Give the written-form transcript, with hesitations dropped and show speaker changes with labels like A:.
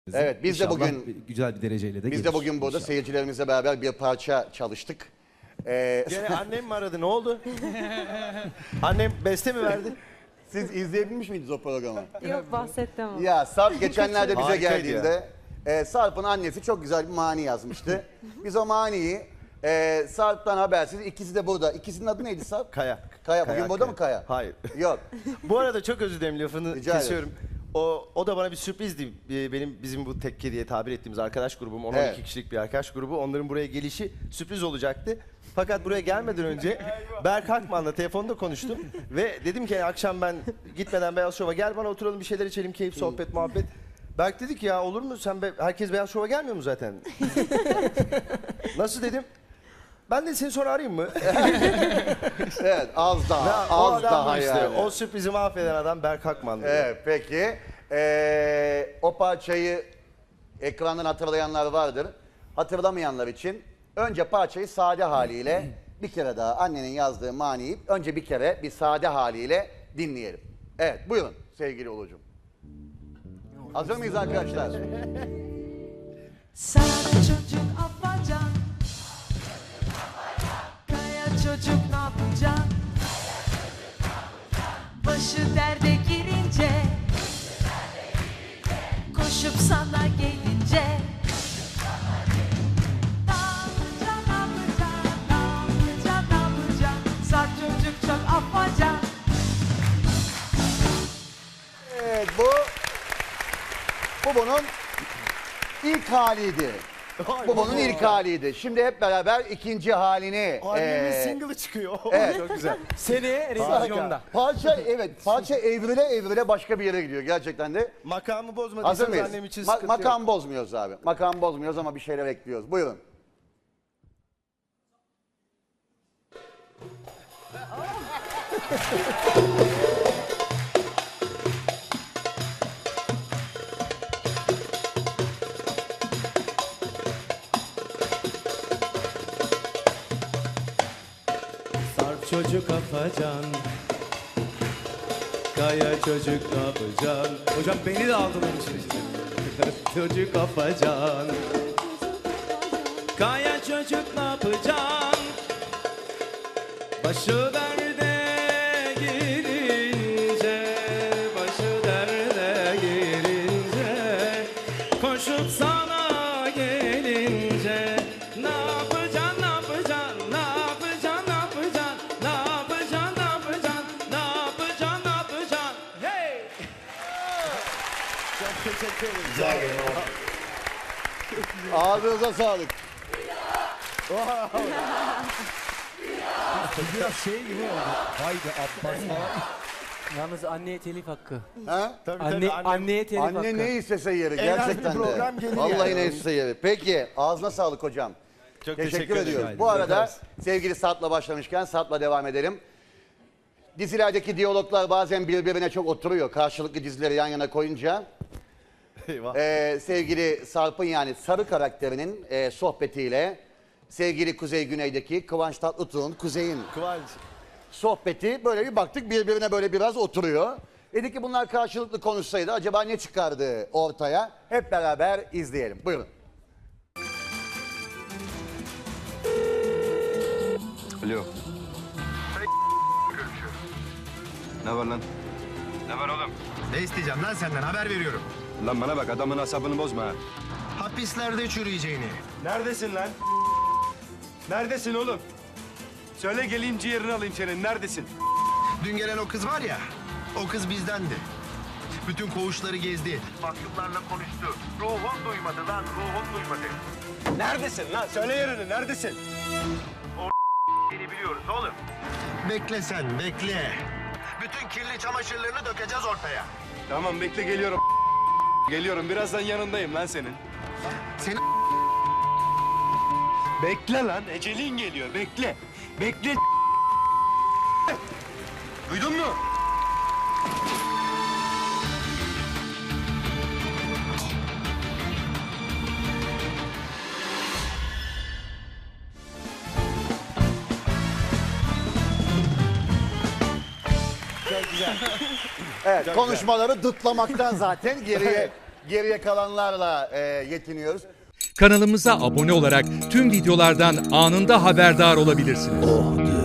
A: Evet, biz de
B: İnşallah
A: bugün
B: güzel bir dereceyle de
A: biz de
B: gelir.
A: bugün burada
B: İnşallah.
A: seyircilerimizle beraber bir parça çalıştık.
C: Gene annem mi aradı? Ne oldu? Annem beste mi verdi?
A: Siz izleyebilmiş miydiniz o programı?
D: Yok bahsettim ama.
A: Ya Sarp geçenlerde bize
C: Harikaydı
A: geldiğinde Sarp'ın annesi çok güzel bir mani yazmıştı. Biz o maniyi Sarp'tan habersiz, ikisi de burada. İkisinin adı neydi Sarp?
C: Kaya.
A: Kaya. Bugün burada mı Kaya?
C: Hayır.
A: Yok.
C: Bu arada çok özür dilerim, lafını
A: Rica ederim.
C: kesiyorum. O da bana bir sürprizdi. Bizim bu tekke diye tabir ettiğimiz arkadaş grubum, 12
A: Evet.
C: kişilik bir arkadaş grubu. Onların buraya gelişi sürpriz olacaktı. Fakat buraya gelmeden önce Berk Hakman'la telefonda konuştum ve dedim ki akşam ben gitmeden Beyaz Şov'a gel, bana oturalım bir şeyler içelim, keyif, sohbet, muhabbet. Berk dedi ki ya olur mu, herkes Beyaz Şov'a gelmiyor mu zaten? Nasıl dedim? Ben de seni sonra arayayım mı?
A: Evet, az daha,
C: O
A: az
C: adam
A: daha
C: bu işte.
A: yani.
C: O sürprizi mahveden adam Berk Hakman.
A: Evet, peki. O parçayı ekrandan hatırlayanlar vardır. Hatırlamayanlar için önce parçayı sade haliyle bir kere daha annenin yazdığı maniyi önce bir kere bir sade haliyle dinleyelim. Evet, buyurun sevgili Ulucuğum. Hazır mıyız arkadaşlar?
E: Sana çocuk afacan, kaya çocuk ne yapacaksın? Başı derde girince, koşup sana gelince. Ne yapacaksın, ne yapacaksın, ne yapacaksın, ne yapacaksın? Sar çocuk çok afacan.
A: Evet, bu bunun ilk haliydi. Bu bunun ilk haliydi. Şimdi hep beraber ikinci halini...
C: Annemin single'ı çıkıyor.
A: Evet.
C: Çok güzel.
F: Seneye revizyonda.
A: Parça evrile evrile başka bir yere gidiyor gerçekten de.
C: Makamı
A: Hazır
C: bozmadıysanız
A: mıyız?
C: annem için sıkıntı yok.
A: Makam bozmuyoruz abi. Makam bozmuyoruz ama bir şeyler ekliyoruz. Buyurun.
F: Sarp çocuk afacan. Kaya çocuk ne yapacaksın? Hocam beni de aldılar için. Çocuk afacan. Kaya çocuk ne yapacaksın? Başı derde girince, başı derde girince, koşup sana gelince, ne yapacaksın, ne yapacaksın, ne yapacaksın, ne yapacaksın, ne yapacaksın, ne yapacaksın, ne yapacaksın, ne yapacaksın, hey!
C: Çok teşekkür ederim.
A: Ağzınıza sağlık.
F: Biraz şey gibi oldu. Haydi Abbas falan. Yalnız anneye telif hakkı.
A: Ha?
C: Tabii,
F: Anne,
C: tabii, annem-
F: anneye telif hakkı.
A: Anne ne istese yeri
C: Eğlenceli
A: gerçekten de.
C: program gelir
A: Vallahi
C: yani.
A: ne istese yeri. Peki ağzına sağlık hocam.
C: Çok
A: Teşekkür ediyoruz.
C: ederim.
A: Bu arada sevgili Sarp'la başlamışken Sarp'la devam edelim. Dizilerdeki diyaloglar bazen birbirine çok oturuyor. Karşılıklı dizileri yan yana koyunca.
C: Eyvah.
A: Sevgili Sarp'ın yani Sarı karakterinin sohbetiyle sevgili Kuzey Güney'deki Kıvanç Tatlıtuğ'un Kuzey'in
C: Kıvanç.
A: sohbeti böyle bir baktık birbirine böyle biraz oturuyor. Dedik ki bunlar karşılıklı konuşsaydı acaba ne çıkardı ortaya? Hep beraber izleyelim. Buyurun.
G: Alo. Ne var lan?
H: Ne var oğlum?
G: Ne isteyeceğim lan senden? Haber veriyorum. Lan bana bak adamın asabını bozma ha. Hapislerde çürüyeceğini.
H: Neredesin lan? Neredesin oğlum? Söyle geleyim ciğerini alayım senin. Neredesin?
G: Dün gelen o kız var ya, o kız bizdendi. Bütün koğuşları gezdi.
H: Mahkumlarla konuştu. Ruhun duymadı lan. Ruhun duymadı. Neredesin lan? Söyle yerini. Neredesin? O seni biliyoruz oğlum.
G: Bekle sen, bekle. Bütün kirli çamaşırlarını dökeceğiz ortaya.
H: Tamam bekle geliyorum. Geliyorum. Birazdan yanındayım lan senin.
G: Seni
H: Bekle lan. Ecelin geliyor. Bekle. Bekle. Duydun mu?
A: Evet konuşmaları dıtlamaktan zaten geriye Geriye kalanlarla yetiniyoruz.
B: Kanalımıza abone olarak tüm videolardan anında haberdar olabilirsiniz.